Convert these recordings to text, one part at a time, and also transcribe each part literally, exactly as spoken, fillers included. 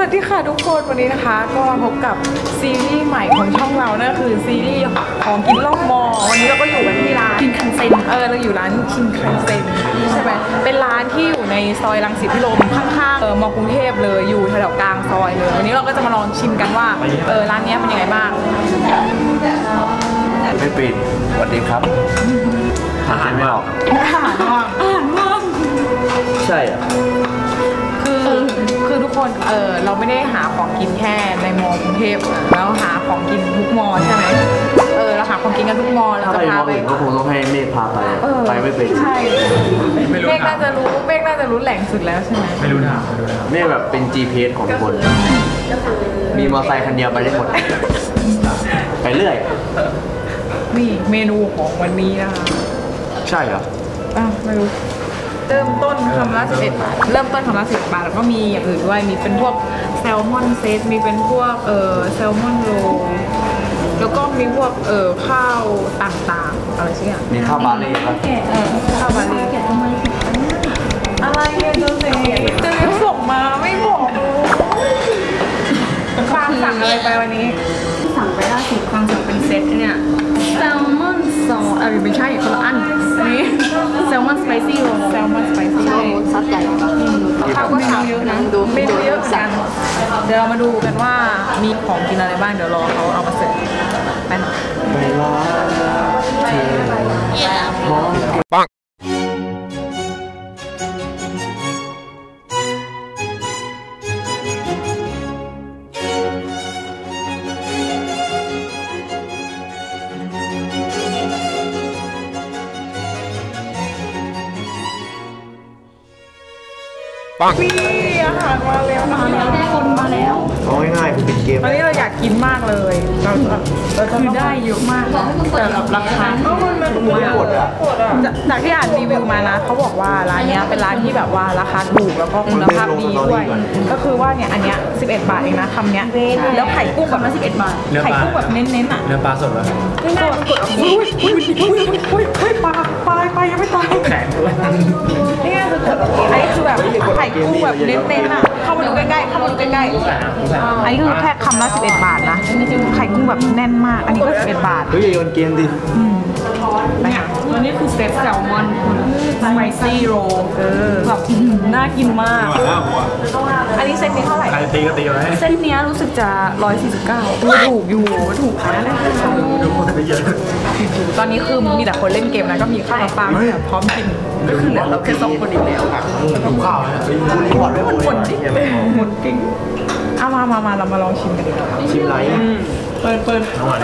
วัสดีค่ะทุกคนวันนี้นะคะก็มาพบกับซีรีส์ใหม่ของช่องเรานั่นคือซีรีส์ของกินล่องมอวันนี้เราก็อยู่กันที่ร้านคิงคันเซ็นเออเราอยู่ร้านคิงคันเซ็นใช่ไหมเป็นร้านที่อยู่ในซอยรังสิตพิรมข้างๆเออมอกรุงเทพเลยอยู่แถวกลางซอยเลยวันนี้เราก็จะมาลองชิมกันว่าเออร้านนี้เป็นยังไงบ้างไม่ปิดสวัสดีครับหาเส้นไม่ออกอาหารว่างอาหารว่างใช่อ่ะคือคือทุกคนเออเราไม่ได้หาของกินแค่ในมอกรุงเทพแล้วหาของกินทุกมอใช่ไหมเออเราหาของกินกันทุกมอเราจะพาไปก็คงต้องให้เมฆพาไปไปไม่เป็นใช่เมฆน่าจะรู้เมฆน่าจะรู้แหล่งสุดแล้วใช่ไหมไม่รู้ทางเมฆแบบเป็น จี พี เอส ของทุกคนมีมอเตอร์ไซค์คันเดียวไปได้หมดไปเรื่อยนี่เมนูของวันนี้นะคะใช่เหรออ่ะไม่รู้เริ่มต้นคำละสิบเอ็ดบาทเริ่มต้นคำละสิบบาทแล้วก็มีอย่างอื่นด้วยมีเป็นพวกแซลมอนเซตมีเป็นพวกเออแซลมอนโรแล้วก็มีพวกเออข้าวต่างๆอะไรสักอย่างมีข้าวบาเล่ป่ะเออข้าวบาเล่อะไรเนี่ยเจ้าเสกเจะเรียกส่งมาไม่บอกฟางสั่งอะไรไปวันนี้สั่งไปล่าสุดฟางสั่งเป็นเซตเนี่ยแซลมอนซอสอะไรไม่ใช่คนละอันนี่แซลมอนสไปซี่โรแซลมอนสไปซี่ใช่ซัดใหญ่ปะข้าวก็ทำเยอะนะดูเมนูเยอะกันเดี๋ยวเรามาดูกันว่ามีของกินอะไรบ้างเดี๋ยวรอเขาเอามาเสิร์ฟไปหน่อยไปรอเธอมองปังนี่อาหารมาแล้วมาแล้วได้คนมาแล้วเอาง่ายๆคือเป็นเกมตอนนี้เราอยากกินมากเลยเราเราจะได้เยอะมากแต่แบบราคาก็มันมันถูกมากจากที่อ่านรีวิวมานะเขาบอกว่าร้านนี้เป็นร้านที่แบบว่าราคาถูกแล้วก็คุณภาพดีด้วยก็คือว่าเนี่ยอันเนี้ยสิบเอ็ดบาทเองนะคำเนี้ยแล้วไข่กุ้งแบบละสิบเอ็ดบาทไข่กุ้งแบบเน้นๆอ่ะเนื้อปลาสดเหรอไม่สดกดอุ้ยอุ้ยอุ้ยอุ้ยอุ้ยปลาปลาปลายังไม่ตายแข็งเลยนี่คือกดอันนี้คือแบบไข่กุ้งแบบเน้นๆอ่ะเข้ามาดูใกล้ๆเข้ามาดูใกล้ๆอันนี้คือแค่คำละสิบเอ็ดบาทนะไข่กุ้งแบบแน่นมากอันนี้ก็สิบเอ็ดบาทเฮ้ยอย่าโยนเกมดิเนี่ยตัวนี้คือเซตแซลมอนสไปซี่โรแบบน่ากินมากอันนี้เซตนี้เท่าไหร่ใครตีก็ตีไว้เซตนี้รู้สึกจะร้อยสี่สิบเก้าถูกอยู่ถูกนะดูคนไปเยอะตอนนี้คือมีแต่คนเล่นเกมนะก็มีข้าวปลาพร้อมกินก็คือเหลือเราแค่สองคนอีกแล้วดูข้าวนะคุณรีพอร์ตไว้หมดหมดจริงหมดจริงเอามามามาเรามาลองชิมกันดีกว่าชิมไรเปิดเปิด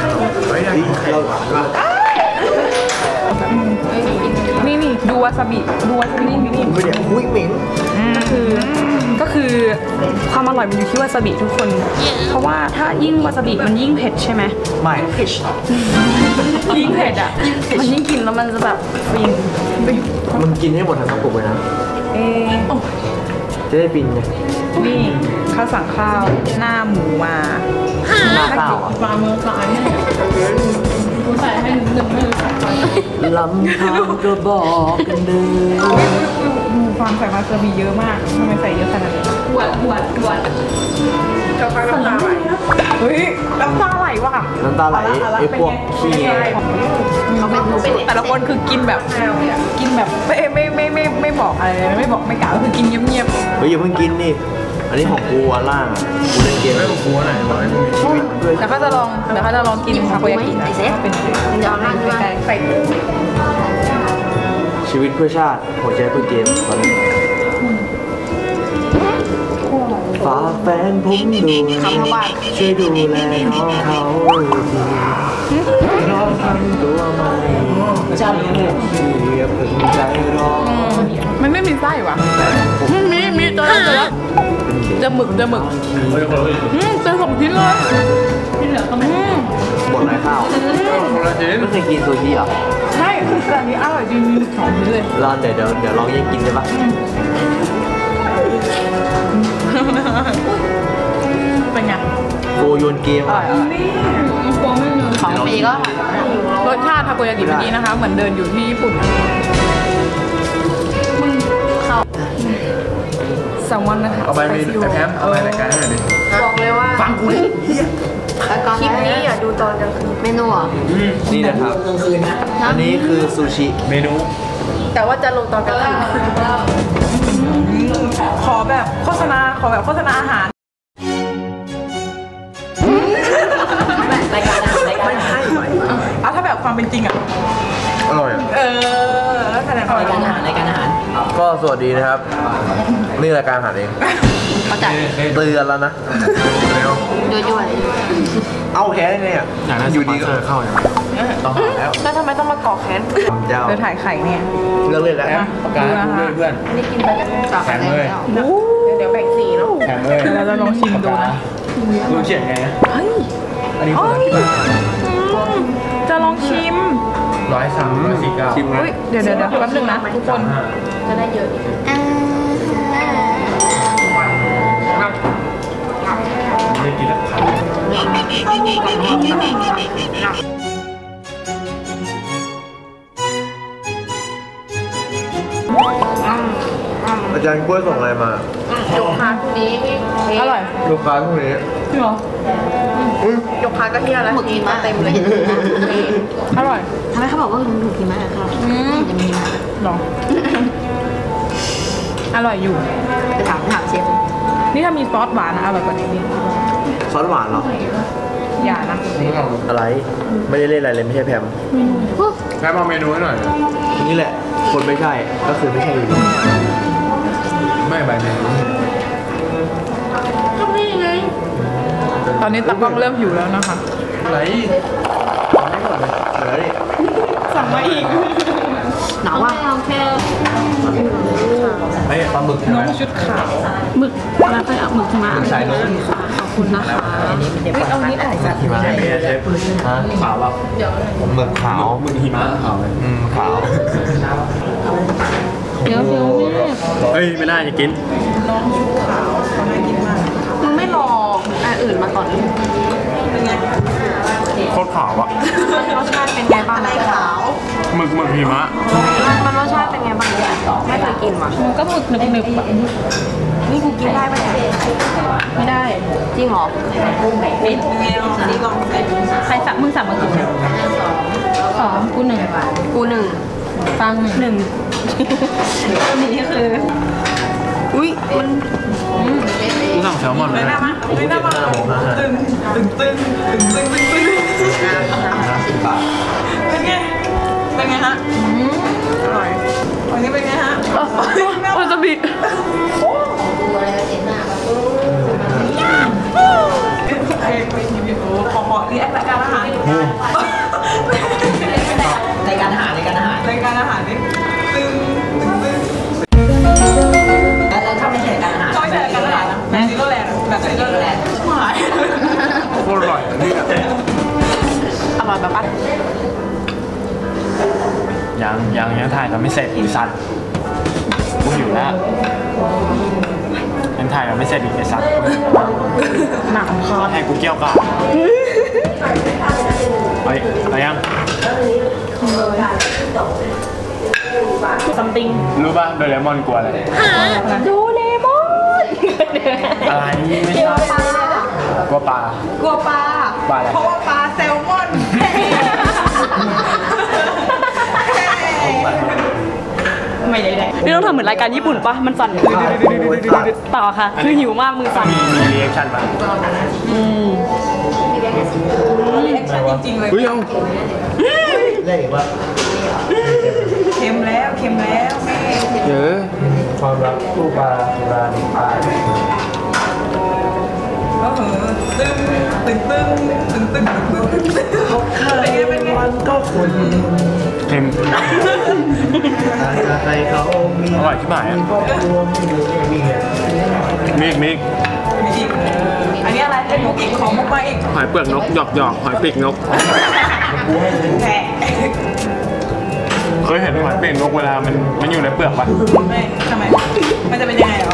นี่นี่ดูวาซาบิดูวาซาบินี่นี่ไม่เดี๋ยวอุ้ยเหม็นก็คือก็คือความอร่อยมันอยู่ที่วาซาบิทุกคนเพราะว่าถ้ายิ่งวาซาบิมันยิ่งเผ็ดใช่ไหมไม่เผ็ดยิ่งเผ็ดอ่ะมันยิ่งกินแล้วมันจะแบบฟินมันกินให้หมดทั้งกระปุกเลยนะเอ๊จะได้ฟินไงนี่ข้าวสั่งข้าวหน้าหมูมาหน้าข้าวอ่ะปลาเมืองสายเนี่ยกูใส่ให้หนึ่งไม่รู้จักลำพังก็บอกกันเดิมดูความใส่มาเซอร์บีเยอะมากทำไมใส่เยอะขนาดนี้หวานหวานหวานจะฟังน้ำตาไหลเฮ้ยน้ำตาไหลว่ะน้ำตาไหลไอ้พวกขี้เขาไม่แต่ละคนคือกินแบบกินแบบไม่ไม่ไม่ไม่ไม่บอกอะไรไม่บอกไม่กล่าวคือกินเงียบๆเฮ้ยอย่าเพิ่งกินนี่อันนี้ของกูอันล่างอ่ะกูเล่นเกมไม่ของกูไหนบอกให้มึงมีชีวิตแต่เขาจะลองแต่เขาจะลองกินทาโกยากินะเป็นยาวนั่งด้วยใส่ชีวิตเพื่อชาติหัวใจเพื่อเกมตอนนี้ฝากแฟนผมดูช่วยดูแลน้องเขาน้องทำตัวใหม่จำเลยอย่าเพิ่งใจร้อนมันไม่มีไส้วะมีมีตัวละตัวละเจอหมึกเจอหมึกอืมเจอสองชิ้นเลยที่เหลือก็ไม่หมดไรข้าวไม่เคยกินซูชิอ่ะใช่แต่อันนี้อร่อยจริงๆสองชิ้นเลยรอเดี๋ยวเดี๋ยวเดี๋ยวลองยังกินได้ปะเป็นไงโกโยนเกมอ่ะของฟรีก็รสชาติทาโกยากิเมื่อกี้นะคะเหมือนเดินอยู่ที่ญี่ปุ่นแซลมอนนะคะเอาไปมีแอปแอปเอาไปรายการให้หน่อยดิบอกเลยว่าฟังกูดิเฮียคลิปนี้อย่าดูตอนกลางคืนเมนูอ่ะนี่นะครับอันนี้คือซูชิเมนูแต่ว่าจะลงตอนกลางคืนขอแบบโฆษณาขอแบบโฆษณาอาหารรายการรายการเอาถ้าแบบความเป็นจริงอ่ะอร่อยอ่ะเออแล้วคะแนนรายการอาหารรายการอาหารก็สวัสดีนะครับ นี่รายการอาหารเองเขาจัดเตือนแล้วนะเร็วด้วยเอาแค่นี้เนี่ยอยากได้อยู่ดีสก็ปอนเซอร์เข้าอย่างไรต้องหาแล้วแล้วทำไมต้องมาก่อแค้นเจ้าเธอถ่ายไข่เนี่ยเลิกเล่นแล้วแอปปากกาพูดด้วยเพื่อนนี่กินไปจับแข็งเลยเดี๋ยวแบ่งสีเนาะแข็งเลยเดี๋ยวเราจะลองชิมดูนะรู้เขียนไงนะเฮ้ยอันนี้คนละกี่บาทจะลองชิมร้อยสามร้อยสี่เก้าชิมนะอุ้ยเดี๋ยวเดี๋ยวเดี๋ยวแป๊บนึงนะทุกคนจะได้เยอะไม่กินแล้วขาดอาจารย์กล้วยส่งอะไรมายกพาร์ทนี้อร่อยลูกค้าพวกนี้จริงเหรอยกพาร์ทก็เที่ยวแล้วหมึกกินมาเต็มเลยอร่อยทำไมเขาบอกว่าลุงถูกกินมากครับอืมจะมีมาหรอ อร่อยอยู่ไปถามถามเชฟนี่ถ้ามีซอสหวานนะอร่อยกว่านี้นี่ซอสหวานเหรออย่านะอะไร ไม่ได้เล่นอะไรเลยไม่ใช่แพมแค่มาเมนูให้หน่อยนี่แหละ คนไม่ใช่ ก็คือไม่ใช่อยู่ดีไม่ใบเมนูตอนนี้ตากล้องเริ่มหิวแล้วนะคะอะไรไม่หมดเลยเหลือดิสั่งมาอีกหนาวอ่ะไม่ปลาหมึกใช่น้ไหอมงชุดขาวหมึกแล้วก็เอาหมึกมาหมึกสายนกขอบคุณนะคะเฮ้ยเอานี้ออกจากหิมะเชฟเมียเชฟฮะขาวแบบหมึกขาวมึงหิมะขาวเลยอืมขาวเดี๋ยวเดี๋ยวแม่เฮ้ยไม่ได้จะกินน้องชุดขาวเขาน่ากินมากมึงไม่รออันอื่นมาก่อนเป็นไงโคตรขาวอ่ะรสชาติเป็นไงบ้างอะไรขาวหมึกหมึกหิมะมันรสชาติเป็นไงบ้างไม่เคยกินว่ะมันก็หมึกหนึบหนึบๆอะนี่กูกินได้ไหมเนี่ยไม่ได้จริงเหรอเป็นไงลองนี่ลองเป็นใครสั่งมึงสั่งมากี่สองกูหนึ่งกูหนึ่งฟังหนึ่งอันนี้คืออุ้ยมันกูสั่งแซลมอนไม่นะน่ามาไม่น่ามาตึงตึงตึงตึงตึงตึงตึงตึงสิบบาทเป็นไงเป็นไงฮะอร่อยวันนี้เป็นไงฮะวาซาบิไอ้ไปทีวีโอ้ขอขอรีแอครายการอาหารรายการอาหารรายการอาหารรายการอาหารนี่ตึงตึงตึงแล้วถ้าไม่ใช่รายการอาหารก็ไม่ใช่รายการอาหารนะแบบนี้ก็แรงแบบนี้ก็แรงหายโคตรอร่อยนี่อร่อยแบบปะยังยังยังถ่ายกันไม่เสร็จอีสัตว์กูหิวแล้วยังถ่ายกันไม่เสร็จอีกไอ้สัตว์หนักคอให้กูเกี่ยวกับเฮ้ยอะไรยังซัมติงรู้ป่ะโดเรมอนกลัวอะไรดูเลมอนอะไรไม่ใช่กลัวปลากลัวปลาปลาอะไรเพราะว่าปลาแซลมอน ไม่ได้นี่ต้องทำเหมือนรายการญี่ปุ่นปะมันสั่นต่อค่ะ คือหิวมากมือสั่นมีมีรีแอคชั่นป่ะรีแอคชั่นจริงๆเลยเฮ้ยเอาได้อีกว่าเค็มแล้วเค็มแล้วแม่เยอะความรักคู่ปลาสุรานิพานก็เหอตึงตึงตึงตึงตึงตึงตึงตึงเป็นไงเป็นไงมันก็คุณเค็มถ้าใครเขามีอร่อยชิบหายอ่ะครอบครัวมีเงินมีเงินมิกมิกมีอีกอันนี้อะไรเป็นมุกอีกของมุกมาอีกหอยเปลือกนกหยอกหยอกหอยปีกนกแหมเคยเห็นหอยปีกนกเวลามันมันอยู่ในเปลือกป่ะไม่ทำไมมันจะเป็นยังไงเหรอ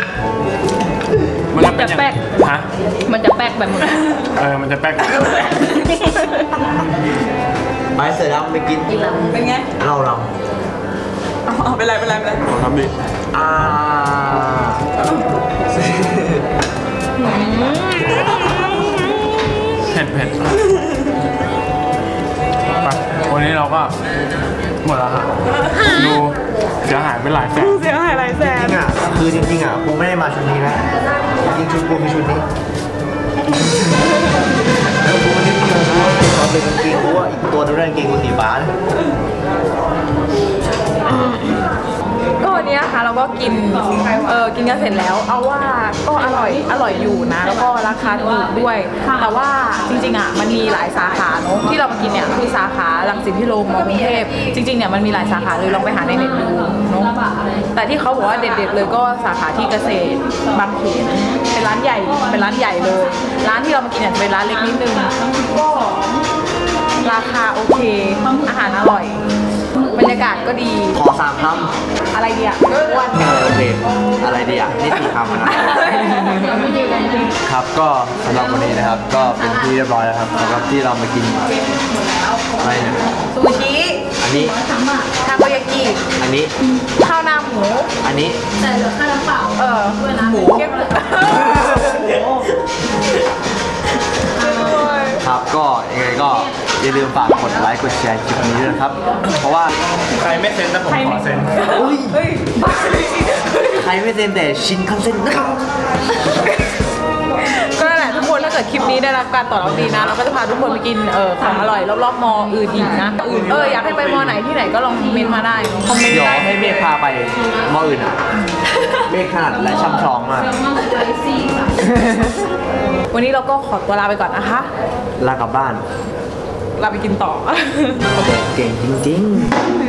มันจะแป๊กฮะมันจะแป๊กแบบมึงเออมันจะแป๊กไปเสร็จแล้วไปกินเป็นไงเราเราเอาเป็นไรเป็นไรเป็นไรลองทำดิอ่าเผ็ดเผ็ดไปวันนี้เราก็หมดแล้วฮะดูเสียหายไปหลายแสนเสียหายหลายแสจนริงอ่ะคือจริงๆอ่ะกูไม่ได้มาชุดนี้นะจริงๆชุดกูคือชุดนี้แล้วกูไม่ได้เกี่ยวกูเป็นความเป็นกางเกงกูว่าอีกตัวนึงกางเกงกูสีฟ้านะก็วันนี้นะคะเราก็กินเออกินกันเสร็จแล้ว เอาว่าก็อร่อยอร่อยอยู่นะ แล้วก็ราคาถูกด้วย แต่ว่าจริงๆอ่ะมันมีหลายสาขาเนอะที่เรามากินเนี่ยคือสาขารังสิตพิโรมมอกรุงเทพจริงๆเนี่ยมันมีหลายสาขาเลยลองไปหาในเน็ตดูเนาะแต่ที่เขาบอกว่าเด็ดๆเลยก็สาขาที่เกษตรบางเขนเป็นร้านใหญ่เป็นร้านใหญ่เลย ร้านที่เรามากินเนี่ยจะเป็นร้านเล็กนิดนึงก็ราคาโอเคอาหารอร่อยบรรยากาศก็ดีขอสามคอะไรดีอ่ะอ้วนำโอเคอะไรดีอ่ะนี่สี่คำนะครับก็สำหรับวันนี้นะครับก็เป็นที่เรียบร้อยแล้วครับสำหรับที่เรามากินอะไรเนี่ยซูชิอันนี้ทาโกยากิอันนี้ข้าวหน้าหมูอันนี้แต่เหลือค่าน้ำเปล่าเออหมูเก็บครับก็ยังไงก็อย่าลืมฝากกดไลค์กดแชร์คลิปนี้ด้วยนะครับ เพราะว่าใครไม่เซ็นนะผมขอเซ็นอุ้ยเฮ้ยใครไม่เซ็นแต่ชินคันเซ็นนะครับก็นั่นแหละทุกคนถ้าเกิดคลิปนี้ได้รับการตอบรับดีนะ เราก็จะพาทุกคนไปกินเออของอร่อยรอบๆมออื่นอีกนะอื่นเอออยากให้ไปมอไหนที่ไหนก็ลองคอมเมนต์มาได้คอมเมนต์เดี๋ยวได้ให้เมฆพาไปมออื่นอ่ะ เมฆขนาดและช่ำชองมากวันนี้เราก็ขอตัวลาไปก่อนนะคะลากลับบ้านลาไปกินต่อเก่งจริงๆ